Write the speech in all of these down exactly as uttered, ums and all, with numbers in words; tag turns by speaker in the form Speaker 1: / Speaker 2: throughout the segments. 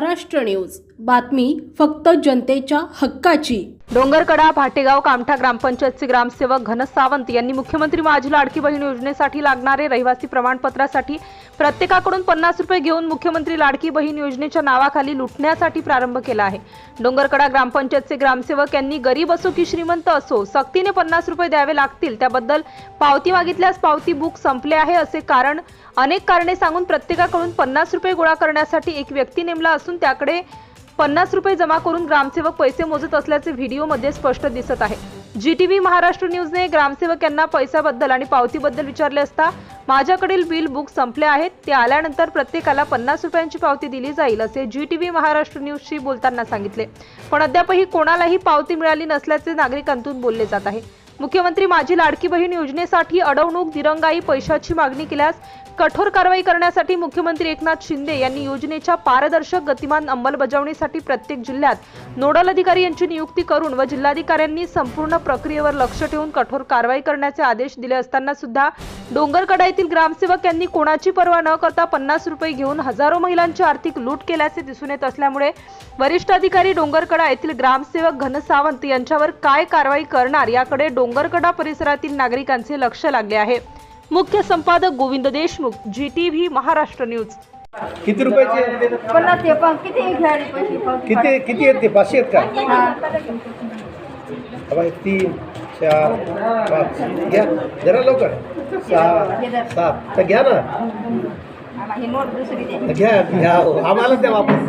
Speaker 1: Maharashtra news, बातमी फक्त जनतेच्या हक्काची।
Speaker 2: डोंगरकडा भाटेगाव कामठा ग्रामपंचायतचे ग्रामसेवक घनस सावंत यांनी मुख्यमंत्री माझी लाडकी बहीण योजनेसाठी लागणारे रहिवासी प्रमाणपत्रासाठी प्रत्येकाकडून पन्नास रुपये घेऊन मुख्यमंत्री लाडकी बहीण योजनेच्या नावाखाली लुटण्यासाठी प्रारंभ केला आहे। डोंगरकडा ग्रामपंचायतचे ग्रामसेवक यांनी गरीब असो की श्रीमंत असो सक्तीने पन्नास रुपये द्यावे लागतील, त्याबद्दल पावती मागितल्यास पावती बुक संपले आहे असे कारण अनेक कारणे सांगून प्रत्येकाकडून पन्नास रुपये गोळा करण्यासाठी एक व्यक्ती नेमला असून त्याकडे पन्नास रुपये जमा करून ग्रामसेवक पैसे मोजत असल्याचे व्हिडिओमध्ये स्पष्ट दिसत आहे। जीटीव्ही महाराष्ट्र न्यूजने ग्रामसेवक यांना पैशाबद्दल आणि पावतीबद्दल विचारले असता माझ्याकडील बिल बुक संपले आहेत, ते आल्यानंतर प्रत्येकाला पन्नास रुपयांची पावती दिली जाईल असे जीटीव्ही महाराष्ट्र न्यूजशी बोलताना सांगितले। पण अद्यापही कोणालाही पावती मिळाली नसल्याचे नागरिकांतून बोलले जात आहे। मुख्यमंत्री माझी लाडकी बहीण योजनेसाठी अडवणूक, दिरंगाई, पैशाची मागणी केल्यास कठोर कारवाई करण्यासाठी मुख्यमंत्री एकनाथ शिंदे यांनी योजनेच्या पारदर्शक गतिमान अंमलबजावणीसाठी प्रत्येक जिल्ह्यात नोडल अधिकारी यांची नियुक्ती करून व जिल्हाधिकाऱ्यांनी संपूर्ण प्रक्रियेवर लक्ष ठेवून कठोर कारवाई करण्याचे आदेश दिले असताना सुद्धा डोंगरकडा येथील ग्रामसेवक यांनी कोणाची पर्वा न करता पन्नास रुपये घेऊन हजारो महिलांची आर्थिक लूट केल्याचे दिसून येत असल्यामुळे वरिष्ठ अधिकारी डोंगरकडा येथील ग्रामसेवक घनस सावंत यांच्यावर काय कारवाई करणार याकडे डोंगरकडा परिसरातील नागरिकांचे लक्ष लागले आहे। मुख्य संपादक गोविंद देशमुख, जीटीव्ही महाराष्ट्र न्यूज।
Speaker 3: किती रुपयाचे?
Speaker 4: पन्नास ते पण किती घ्यायला पैसे?
Speaker 3: किती किती आहेत ते? पाचशे आहेत का? बाबा तीन चार पाच घ्या जरा लवकर। सहा सात तर घ्या ना,
Speaker 4: ही नोट दुसरी दे।
Speaker 3: घ्या घ्या आम्हाला द्या वापस।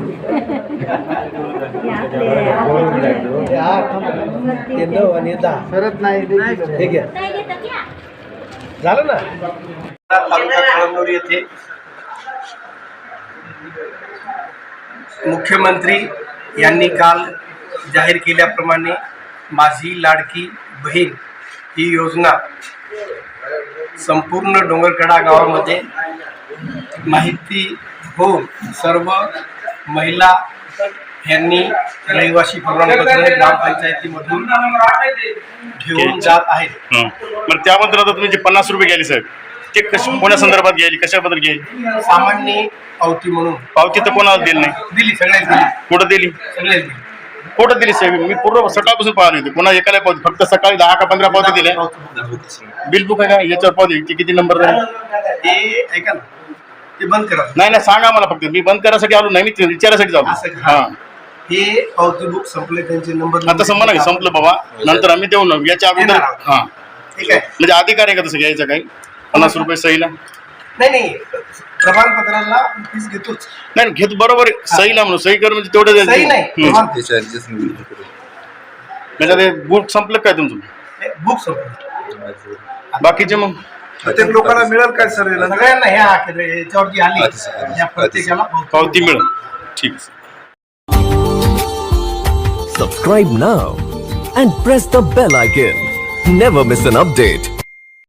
Speaker 3: ते आठ ते नऊ आणि दहा सरत नाही हे घ्या झालं ना।
Speaker 5: तालुका कळमनुर येथे मुख्यमंत्री यांनी काल जाहीर केल्याप्रमाणे माझी लाडकी बहीण ही योजना संपूर्ण डोंगरकडा गावामध्ये माहिती होऊन सर्व महिला यांनी रहिवासी प्रमाणपत्र ग्रामपंचायतीमधून घेऊन जात आहेत।
Speaker 6: मग त्याबद्दल आता तुम्ही जे पन्नास रुपये घ्यायले साहेब, ते कशा कोणा संदर्भात घ्यायली, कशाबद्दल घ्यायली?
Speaker 5: सामान्य पावती म्हणून।
Speaker 6: पावती तर कोणाला दिली नाही?
Speaker 5: दिली, सगळ्याच दिली।
Speaker 6: कुठं दिली?
Speaker 5: सगळ्याच दिली।
Speaker 6: कुठं दिली साहेब? मी पूर्ण सकाळपासून पाहिली होती, कोणा एकाला पावती, फक्त सकाळी दहा का पंधरा पावती दिल्या। बिल बुक आहे का याच्यावर? पावती किती नंबर आहे
Speaker 5: ते ऐका ना, ते बंद करा।
Speaker 6: नाही नाही सांगा मला, फक्त मी बंद करायसाठी आलो नाही, मी विचारासाठी जाऊ। हा,
Speaker 5: हे पावती बुक संपले, त्यांचे नंबर
Speaker 6: आता संपलं संपलं बाबा, नंतर आम्ही देऊ ना, याच्या अगोदर। हा
Speaker 5: ठीक आहे,
Speaker 6: म्हणजे अधिकार आहे का तसं घ्यायचं काही? पन्नास रुपये सहीला?
Speaker 5: नाही नाही, प्रमाणपत्राला फीस घेतोच।
Speaker 6: नाही घेतो, बरोबर आहे, सहीला म्हणून सही कर म्हणजे तेवढं
Speaker 5: सही नाही,
Speaker 6: म्हणजे बुक संपलं काय तुमचं?
Speaker 5: बुक संपलं,
Speaker 6: बाकीचे मग
Speaker 3: प्रत्येक लोकांना मिळेल काय सर?
Speaker 5: सगळ्यांना ह्या याच्यावरती आली, या प्रत्येकाला
Speaker 6: पावती मिळेल। ठीक।
Speaker 7: Subscribe now and press the bell icon. Never miss an update.